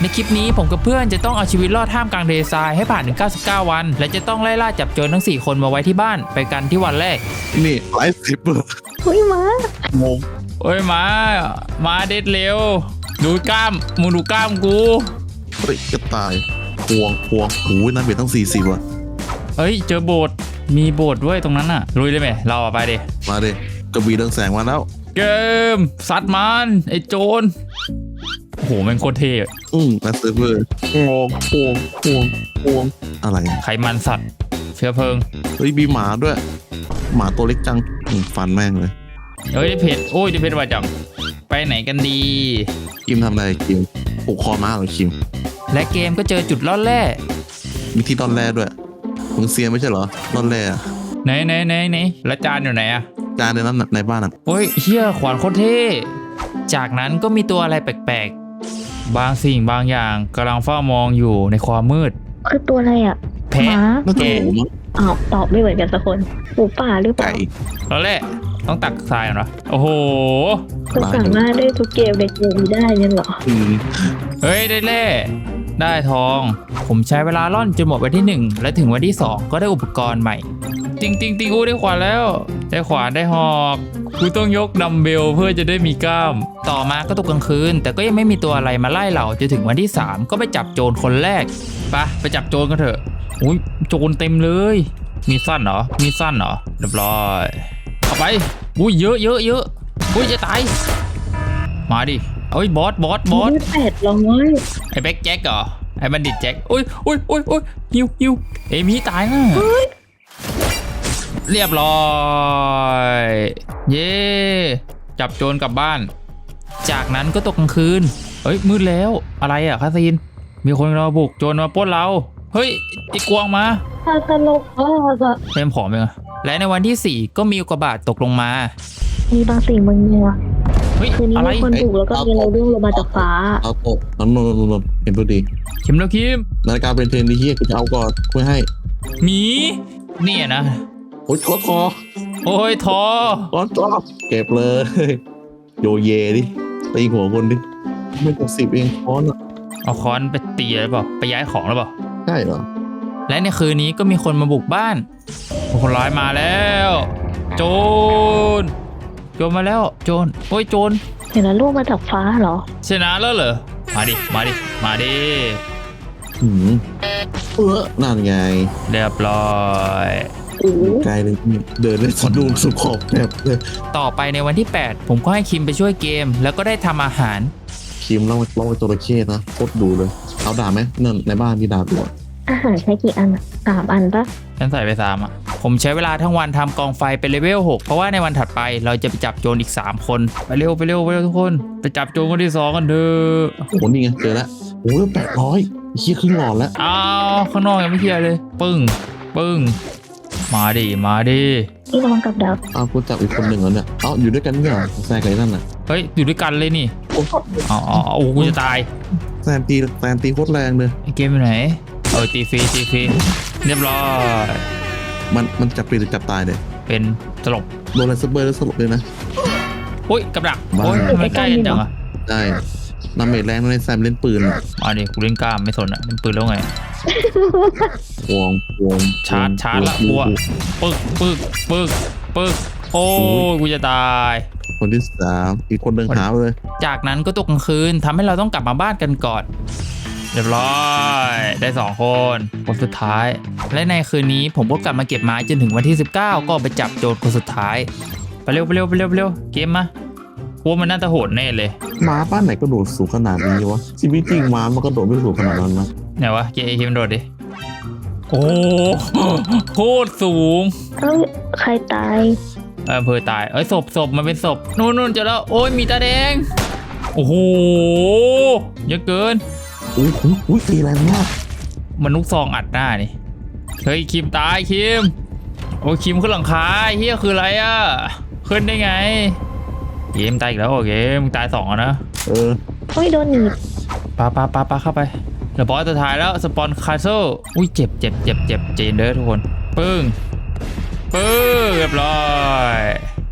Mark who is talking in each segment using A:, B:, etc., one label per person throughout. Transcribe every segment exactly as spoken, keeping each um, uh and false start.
A: ในคลิปนี้ผมกับเพื่อนจะต้องเอาชีวิตรอดท่ามกลางทะเลทรายให้ผ่านถึงเก้าสิบเก้าวันและจะต้องไล่ล่าจับโจรทั้งสี่คนมาไว้ที่บ้านไปกันที่วันแรก
B: นี่ไลฟ์สิบเปอร์
C: เฮ้ยมา
B: งง
A: เอ้ยมามาเด็ดเร็วดูกล้ามมึงดูกล้ามกู
B: เฮ้ยจะตายพวงพวงโอ้ยน้ำเบียดตั้งสี่สิบว่ะ
A: เฮ้ยเจอโบสถ์มีโบสถ์ด้วยตรงนั้นน่ะลุยได้ไหมเราอะไปดิ
B: มาดิกระบี่เรืองแสงมาแล้ว
A: เกมซัดมันไอ้โจรโอ้โหแม่งโคตรเท่
B: อืมแลสเซอร์งงพวงพวงพวงอะไร
A: ไขมันสัตว์เชื้อเพลิง
B: เฮ้ยมีหมาด้วยหมาตัวเล็กจังฟันแม่งเลย
A: เฮ้ยได้เพชรโอ้ยได้เพชรว่าจังไปไหนกันดี
B: คิมทำอะไรคิมผูกคอม้าเหรอคิม
A: และเกมก็เจอจุดล่อแร่
B: มีที่ล่อนแร่ด้วยมึงเซียนไม่ใช่เหรอล่อนแร่
A: ไหนไหนไหนไหนแล้วจานอยู่ไหนอะ
B: จานในนั้นในบ้านอ่ะ
A: โอ้ยเฮียขวานโคตรเท่จากนั้นก็มีตัวอะไรแปลกๆบางสิ่งบางอย่างกำลังเฝ้ามองอยู่ในความมืด
C: คือตัวอะไรอ่ะ
A: แพะแกะ
C: อ้าวตอบไม่เหมือนกันสักคนหมูป่าหรือเปล่า
A: แล้วแหละต้องตักทรายเหรอโอ้โห
C: ก็สามารถได้ทุกเกมในเกมนี้ได้เนี่ยเหรอ
A: เฮ้ยได้แร่ได้ทองผมใช้เวลาล่อนจนหมดวันที่หนึ่งและถึงวันที่สองก็ได้อุปกรณ์ใหม่ติงติงติงอู้ได้ขวานแล้วได้ขวานได้หอกกูต้องยกดัมเบลเพื่อจะได้มีกล้ามต่อมาก็ตกกลางคืนแต่ก็ยังไม่มีตัวอะไรมาไล่เราจนถึงวันที่สามก็ไปจับโจรคนแรกไปไปจับโจรกันเถอะอุ้ยโจรเต็มเลยมีสั้นเหรอมีสั้นเหรอเรียบร้อยเอาไปอุ้ยเยอะเยอะเยอะอุ้ยจะตายมาดิเอ้ยบอสบอสบอส
C: แปดลองเว้ย
A: ไอ้แบ็คแจ็คเหรอไอ้บัณฑิตแจ็คอุ้ยอุ้ยอุ้ยอุ้ยฮิวฮิวเอมี่ตายนะเรียบร้อยเย่จับโจรกลับบ้านจากนั้นก็ตกกลางคืนเฮ้ยมืดแล้วอะไรอ่ะคาซีนมีคนเราบุกโจรมาปล้นเราเฮ้ยไอ้กวางมา
C: ตลกมากอะ
A: เต็มผอมเลยและในวันที่สี่ก็มีอุกกาบาตตกลงมา
C: มีบางสิ่งบางอย่างคืนนี้มีคนบุกแล้วก็มีเราเรื่องลงมาจากฟ้า
B: เอาโตน้ำนนนนเห็นตัวดี
A: คิมแล้วคิม
B: นาฬิกาเป็นเทรนดีเฮียกูจะเอาก่อนคุยให้
A: หมีเนี่ยนะ
B: โอ้ยทอทอ
A: โอ้ยทอ
B: ทอทอเก็บเลยโยเยดิตีหัวคนดิไม่กับสิบเองค้อนอ่ะ
A: เอาค้อนไปตีหรือเปล่าไปย้ายของหรือเปล่า
B: ใช่เหรอ
A: และในคืนนี้ก็มีคนมาบุกบ้านคนร้ายมาแล้วโจรโจรมาแล้วโจรโอ้ยโจร
C: เห็นแล้วลูกมาจากฟ้าเหรอ
A: ชนะแล้วเหรอมาดิมาดิมาดิ
B: หืมเออนั่นไง
A: เรียบร้อย
B: ไกลเลยเดินเลยสะดุ้งสุขอบแบบเลย
A: ต่อไปในวันที่แปดผมก็ให้คิมไปช่วยเกมแล้วก็ได้ทำอาหาร
B: คิมเล่าเล่าไปตัวระเข้นะโคตรดูเลยเอาดาบไหมนั่นในบ้านมีดาบด้วย
C: อาหารใช้กี่อันอะสามอันปะ
A: ฉันใส่ไปสามอ่ะผมใช้เวลาทั้งวันทำกองไฟเป็นเลเวลหกเพราะว่าในวันถัดไปเราจะไปจับโจรอีกสามคนไปเร็วไปเร็วไปเร็วทุกคนไปจับโจรคนที่สองกันเถอะ
B: โอ้โหนี่ไงเจอแล้วโอ้ยแปดร้อยเฮียครึ่งหลอดแล้ว
A: อ้าวข้างนอกยังไม่เคลียร์เลยปึ้งปึ้งมาดิมาดิ
C: นี่ระวังกับดัก
B: อ้าวกูจับอีกคนหนึ่งแล้วเนี่ยเอ้าอยู่ด้วยกันเนี่ยแซงกันนั่นน่ะ
A: เฮ้ยอยู่ด้วยกันเลยนี่อ๋อโอ้กูจะตาย
B: แซนตีแซนตีโคตรแรงเลย
A: ไอเกมอยู่ไหนเออตีฟรีตีฟรีเรียบร้อย
B: มันมันจับปีหรือจับตายเนี่ย
A: เป็นสลบ
B: โดนอะไรซับเบอร์แล้วสลบเลยนะ
A: โอ้ยกับดักโอ้ยไม่ใกล้จังอ่ะ
B: ได้น้ำเมจแรงในแซมเล่นปืน
A: มาดิกูเล่นกล้ามไม่สนอ่ะเล่นปืนแล้วไง
B: วงวง
A: ชาร์จชาร์จละกูอ่ะปึ๊กปึ๊กปึ๊กปึ๊กโอ้กูจะตาย
B: คนที่สามอีกคนหนึ่งหาเลย
A: จากนั้นก็ตกกลางคืนทำให้เราต้องกลับมาบ้านกันก่อนเรียบร้อยได้สองคนคนสุดท้ายและในคืนนี้ผมก็กลับมาเก็บไม้จนถึงวันที่สิบเก้าก็ไปจับโจรคนสุดท้ายไปเร็วไปเร็วไปเร็วไปเร็วเกมมาพวกมันน่าจะโหดแน่เลย
B: ม้าบ้านไหนก็โดดสูงขนาดนี้วะชีวิตจริงม้ามันก็โดดไม่สูงขนาดนั้นนะ
A: ไหนวะเกมเกมโดดดิโอ้โคตรสูง
C: เอ้ยใครตาย
A: เออเพอตายเอ้ยศพศพมันเป็นศพนู่นนู่นเจอแล้วโอ้ยมีตาแดงโอ้โหเยอะเกิน
B: อุ้ยอุ้ยตีแรงมาก
A: มันลูกซองอัดหน้านี่เฮ้ยคิมตายคิมโอ้คิมขึ้นหลังคาเฮียคืออะไรอ่ะขึ้นได้ไงเกมตายอีกแล้วโอเคมึงตายสองนะ
B: เออ
C: โอ้ยโดนหนีบ
A: ปาปาปาปาเข้าไปเดี๋ยวบอสจะถ่ายแล้วสปอนคาโซ่อุ้ยเจ็บเจ็บเจ็บเจ็บเจนเด้อทุกคนปึ้งปึ้งเรียบร้อย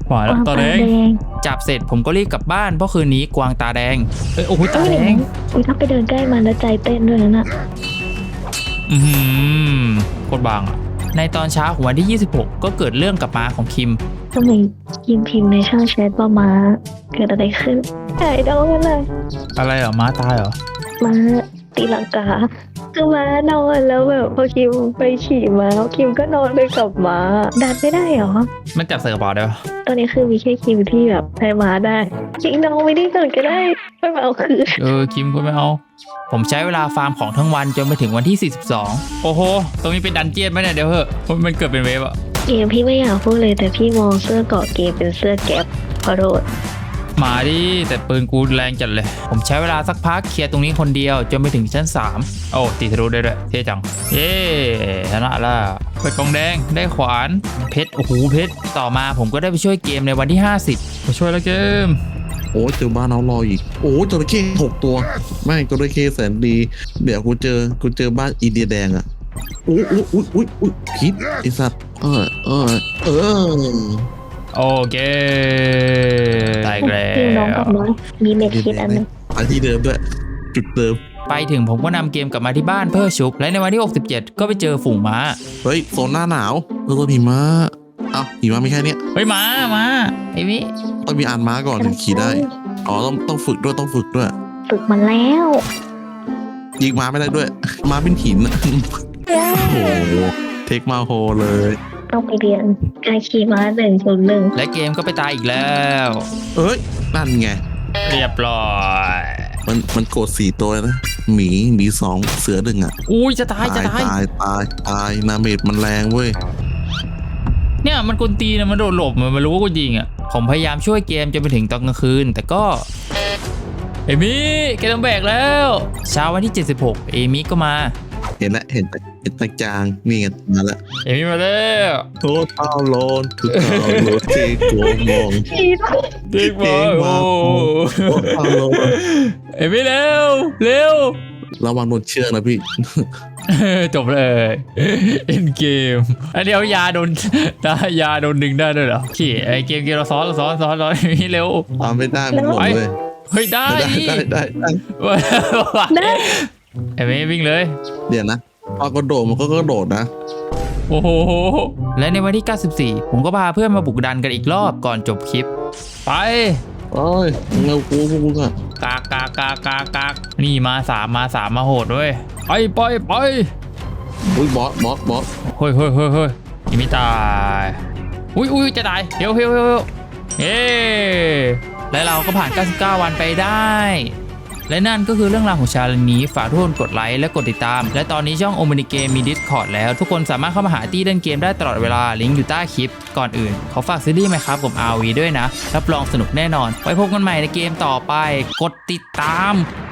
A: มาแล้วตาแดง
C: ง
A: จับเสร็จผมก็รีบกลับบ้านเพราะคืนนี้กวางตาแดงเอ้ยโอ้โหตาแดง
C: อุ้ยถ้าไปเดินใกล้มันแล้วใจเต้นด้วยนะน่ะ
A: อือหือโคตรบางอ่ะในตอนเช้าของวันที่ยี่สิบหกก็เกิดเรื่องกับม้าของคิม
C: ทำไมยิมพิมพ์ในช่องแชทว่ามาเกิดอะไรขึ้นไอ้ดองกันเลย
A: อะไรเหรอม้าตายเหรอ
C: มาตีลังกาคือม้านอนแล้วแบบพอคิมไปขี่ม้าคิมก็นอนไปกับม้าดันไม่ได้เหรอ
A: มันจับใส่กระเป๋าได้ปะ
C: ตอนนี้คือมีแค่คิมที่แบบใช้ม้าได้จริงน้องไม่ได้ก่อนก็ได้ไม่มาเอาคืน
A: เออคิมก็ไม่เอาผมใช้เวลาฟาร์มของทั้งวันจนไปถึงวันที่สี่สิบสองโอ้โหตรงนี้เป็นดันเจียนไหมเนี่ยเดี๋ยวเหอะมันเกิดเป็นเวฟอะ
C: เกมพี่ไม่อยากพูดเลยแต่พี่มองเสื้อเกาะเกมเป็นเสื้อแก๊ปขอโทษ
A: มาดิแต่ปืนกูแรงจัดเลย ผมใช้เวลาสักพักเคลียร์ตรงนี้คนเดียวจนไปถึงชั้นสามโอ้ตีทะลุได้ด้วยเท่จังเย้ชนะละเปิดกล่องแดงได้ขวานเพชรโอ้โหเพชรต่อมาผมก็ได้ไปช่วยเกมในวันที่ห้าสิบมาช่วยแล้วเกม
B: โอ้เจอบ้านเอารออีกโอ้จระเข้หกตัวไม่จระเข้แสนดีเดี๋ยวกูเจอกูเจอบ้านอินเดียแดงอ่ะอุ้ยอุ้ยอุ้ยอุ้ยอุ้ยพิษไอสัตว์เออเออเออ
A: โอเคตายอีกแล้
C: พี่น้องกับ
A: ว
C: น้องมีเม็ดคิดอันหนึง
B: อันที่เดิมด้วยจุดเดิม
A: ไปถึงผมก็นำเกมกลับมาที่บ้านเพื่อชุบและในวันที่หกสิบเจ็ดก็ไปเจอฝูงม้า
B: เฮ้ยโซนหน้าหนาวเออตัวหิมะเอ้าหิมะไม่แค่เนี้ย
A: เฮ้ยม้ามาไอ้มิ
B: ต้องมีอ่านม้าก่อนถึงขี่ได้อ๋อต้องต้องฝึกด้วยต้องฝึกด้วย
C: ฝึกมันแล้ว
B: ยิงม้าไม่ได้ด้วยม้าเป็นหินอะโอ้โหเทคมาโฮเลย
C: ต้องไปเรียนการขี่ม้าหนึ่งศูนย์หนึ่ง
A: และเกมก็ไปตายอีกแล้ว
B: เอ้ยนั่นไง
A: เรียบร้อย
B: มันมันโกรธสี่ตัวนะหมีหมีสองเสือหนึ่งอ่ะ
A: อุ้ยจะตายจะตาย
B: ตายตายตายนาเมดมันแรงเว้ย
A: เนี่ยมันกลตีนะมันโดดหลบมันไม่รู้ว่ากูยิงอ่ะผมพยายามช่วยเกมจนไปถึงตอนกลางคืน แต่ก็เอมี่แกต้องแบกแล้วเช้าวันที่เจ็ดสิบหกเอมี่ก็มา
B: เห็นแล้วเห็นแต่เห็นตาจางนี่ไงมาแล้ว
A: เอมี่มาแล้ว
B: โทษเต้าโลนทุกเต้าโลนเทโกมอง
A: เด็กมา
B: เก่ง
A: โอ้
B: มากโทษเต้าโลน
A: เอมี่เร็วเร็ว
B: ระวังโดนเชือกนะพี่
A: จบเลยเอ็นเกมอันเดียวยาโดนได้ยาโดนดึงได้ด้วยเหรอขี่ไอเกมเกมเราซ้อนเราซ้อนซ้อนซ้อนนี่เร็ว
B: ตามไม่ได้มันหลงเลย
A: เฮ้ยได้
B: ได้
A: ดิ
B: ได้ได้ได้
C: ได้
A: ไอ้เมย์วิ่งเลย
B: เดี๋ยวนะพอกระโดดมันก็กระโดดนะ
A: โอ้โหและในวันที่เก้าสิบสี่ผมก็พาเพื่อนมาบุกดันกันอีกรอบก่อนจบคลิปไป
B: โอ้ยมึงเอากูพวกมึงอะ
A: กากกากกากกากกากนี่มาสามมาสามมาโหดด้วยไปไปไป
B: อุ้ยบอสบอสบอส
A: เฮ้ยเฮ้ยเฮ้ยเฮ้ยยังไม่ตายอุ้ยอุ้ยจะตายเฮ้ยเฮ้ยเฮ้ยเฮ้ยเฮ้และเราก็ผ่านเก้าสิบเก้าวันไปได้ และนั่นก็คือเรื่องราวของชาเลนจ์นี้ฝากทุกคนกดไลค์และกดติดตามและตอนนี้ช่องโอม n นิเกมมี Discord แล้วทุกคนสามารถเข้ามาหาตี้เล่นเกมได้ตลอดเวลาลิงก์อยู่ใต้คลิปก่อนอื่นขอฝากซีรีส์ไหมครับผม อาร์ วี ด้วยนะรับรองสนุกแน่นอนไว้พบกันใหม่ในเกมต่อไปกดติดตาม